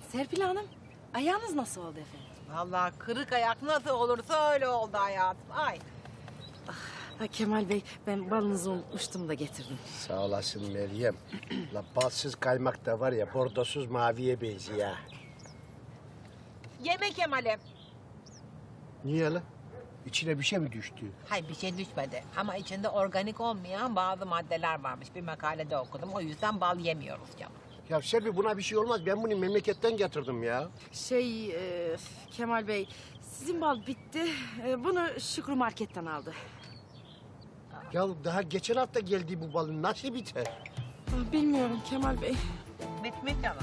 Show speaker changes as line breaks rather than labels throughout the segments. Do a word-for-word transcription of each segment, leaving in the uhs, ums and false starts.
Serpil Hanım, ayağınız nasıl oldu efendim?
Vallahi kırık ayak nasıl olursa öyle oldu hayatım. Ay.
Ha, Kemal Bey, ben balınızı unutmuştum da getirdim.
Sağ olasın Meryem. La balsız kaymak da var ya, bordosuz maviye benziyor ya.
Yeme Kemal'im.
Niye la? İçine bir şey mi düştü?
Hayır bir şey düşmedi ama içinde organik olmayan bazı maddeler varmış. Bir makalede okudum. O yüzden bal yemiyoruz canım.
Ya Serpil, buna bir şey olmaz. Ben bunu memleketten getirdim ya.
Şey, e, Kemal Bey, sizin bal bitti. E, bunu Şükrü Market'ten aldı.
Ya daha geçen hafta geldi bu balın, nasıl biter?
Ah, bilmiyorum Kemal Bey.
Bitmiş canım.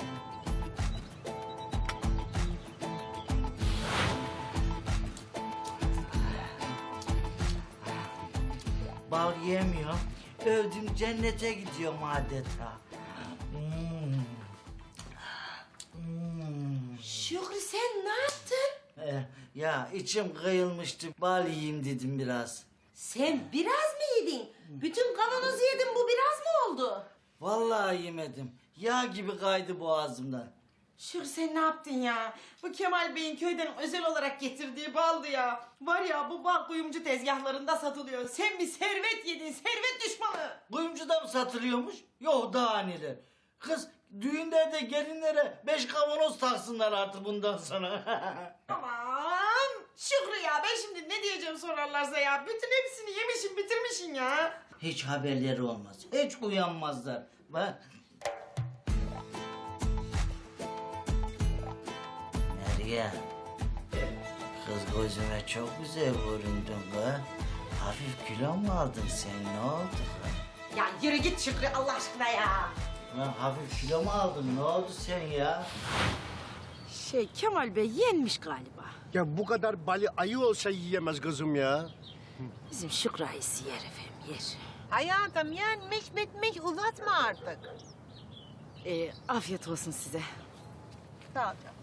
Bal yemiyorum. Öldüm, cennete gidiyorum adeta. Hmm. Hmm.
Şükrü sen ne yaptın?
Eh, ya içim kıyılmıştı. Bal yiyeyim dedim biraz.
Sen biraz mı yedin? Bütün kavanozu yedin, bu biraz mı oldu?
Vallahi yemedim. Yağ gibi kaydı boğazımdan.
Şükrü sen ne yaptın ya? Bu Kemal Bey'in köyden özel olarak getirdiği baldı ya. Var ya bu bal kuyumcu tezgahlarında satılıyor. Sen bir servet yedin, servet düşmanı.
Kuyumcuda mı satılıyormuş? Yok daha neler. Kız düğünlerde gelinlere beş kavanoz taksınlar artık bundan sonra.
Aman Şükrü ya, ben şimdi ne diyeceğim sorarlarsa ya. Bütün hepsini yemişsin, bitirmişsin ya.
Hiç haberleri olmaz. Hiç uyanmazlar. Bak. Meryem. Kız gözüme çok güzel göründün be. Hafif kilo mu aldın sen? Ne oldu kız?
Ya yürü git Şükrü Allah aşkına ya.
Lan hafif kilo mu aldın? Ne oldu sen ya?
Şey, Kemal Bey yenmiş galiba.
Ya bu kadar balı ayı olsa yiyemez kızım ya.
Bizim Şükrü ayısı yer efendim, yer.
Hayatım yenmiş bitmiş uzatma artık.
E, afiyet olsun size.
Sağ ol canım.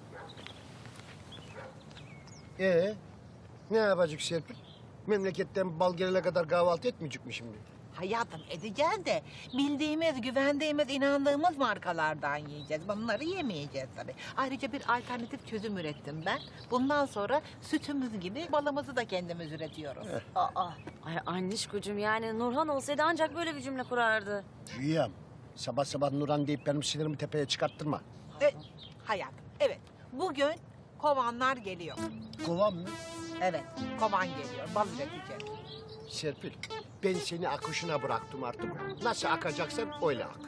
Ee, ne yapacak Serpil? Memleketten bal gelene kadar kahvaltı etmeyecek mi şimdi?
Hayatım edeceğiz de bildiğimiz, güvendiğimiz, inandığımız markalardan yiyeceğiz. Bunları yemeyeceğiz tabii. Ayrıca bir alternatif çözüm ürettim ben. Bundan sonra sütümüz gibi balımızı da kendimiz üretiyoruz.
Aa, ay annişkocuğum, yani Nurhan olsaydı ancak böyle bir cümle kurardı.
Rüyam, sabah sabah Nurhan deyip benim sinirimi tepeye çıkarttırma.
E, hayatım evet bugün kovanlar geliyor.
Kovan mı?
Evet kovan geliyor bal üreteceğiz.
Serpil, ben seni akışına bıraktım artık. Nasıl akacaksan öyle ak.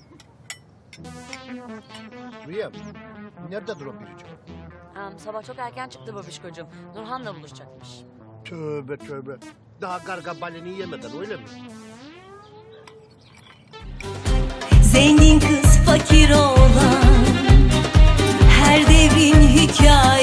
Rüyam, nerededir o biricik?
Ha, sabah çok erken çıktı babişkocuğum. Nurhan'la buluşacakmış.
Tövbe tövbe. Daha karga baleni yemeden öyle mi?
Zengin kız fakir olan her devrin hikayesi.